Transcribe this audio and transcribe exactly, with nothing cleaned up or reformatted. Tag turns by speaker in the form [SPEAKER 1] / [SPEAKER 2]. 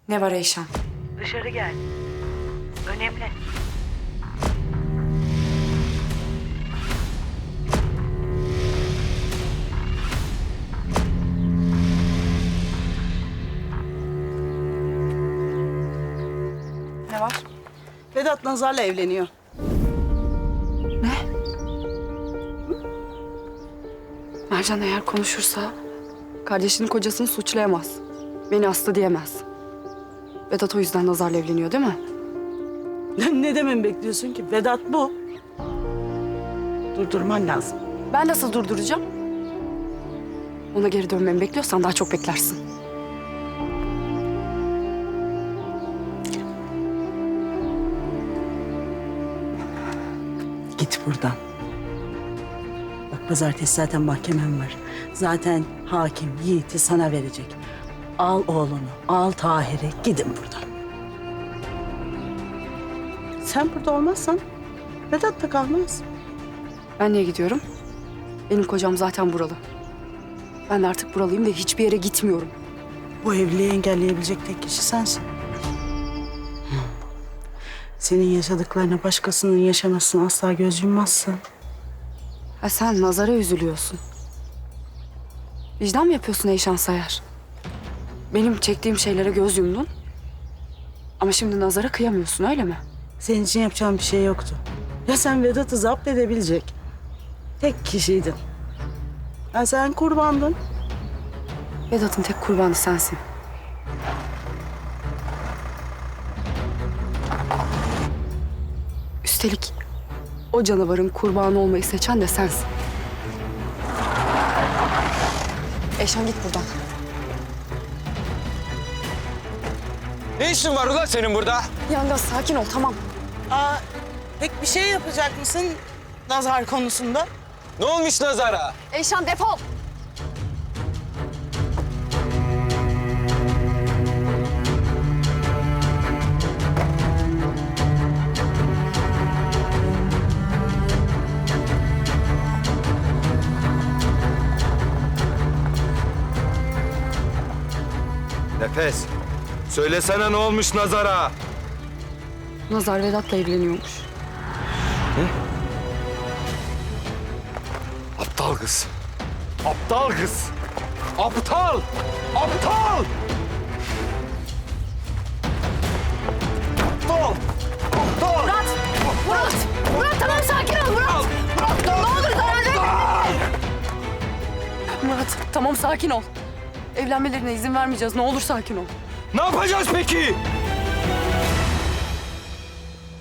[SPEAKER 1] Ne var Eyşan?
[SPEAKER 2] Dışarı gel. Önemli.
[SPEAKER 1] Ne var?
[SPEAKER 3] Vedat Nazar'la evleniyor.
[SPEAKER 1] Ne? Mercan eğer konuşursa kardeşinin kocasını suçlayamaz. Beni hasta diyemez. Vedat o yüzden Nazar'la evleniyor değil mi?
[SPEAKER 3] Ne dememi bekliyorsun ki? Vedat bu. Durdurman lazım.
[SPEAKER 1] Ben nasıl durduracağım? Ona geri dönmemi bekliyorsan daha çok beklersin.
[SPEAKER 3] Git buradan. Bak pazartesi zaten mahkemem var. Zaten hakim Yiğit'i sana verecek. Al oğlunu, al Tahir'i, gidin buradan. Sen burada olmazsan Vedat da kalmaz.
[SPEAKER 1] Ben niye gidiyorum? Benim kocam zaten buralı. Ben de artık buralıyım ve hiçbir yere gitmiyorum.
[SPEAKER 3] Bu evliliği engelleyebilecek tek kişi sensin. Senin yaşadıklarına başkasının yaşamasına asla göz yummazsın.
[SPEAKER 1] Ha sen Nazar'a üzülüyorsun. Vicdan mı yapıyorsun Eyşan Sayar? Benim çektiğim şeylere göz yumdun. Ama şimdi Nazar'a kıyamıyorsun öyle mi?
[SPEAKER 3] Senin için yapacağım bir şey yoktu. Ya sen Vedat'ı zapt edebilecek tek kişiydin. Ya sen kurbandın.
[SPEAKER 1] Vedat'ın tek kurbanı sensin. Üstelik o canavarın kurbanı olmayı seçen de sensin. Eyşan git buradan.
[SPEAKER 4] Ne işin var ulan senin burada?
[SPEAKER 1] Yalnız sakin ol tamam.
[SPEAKER 3] Aa, pek bir şey yapacak mısın Nazar konusunda?
[SPEAKER 4] Ne olmuş Nazar'a?
[SPEAKER 1] Eyşan defol.
[SPEAKER 4] Nefes, söylesene ne olmuş Nazar'a?
[SPEAKER 1] Nazar Vedat'la evleniyormuş.
[SPEAKER 4] Aptal kız. Aptal kız. Aptal! Aptal! Aptal! Aptal!
[SPEAKER 1] Murat! Murat! Murat tamam sakin ol Murat! Murat ne olur zarar verme! Murat tamam sakin ol. Evlenmelerine izin vermeyeceğiz. Ne olur sakin ol.
[SPEAKER 4] Ne yapacağız peki?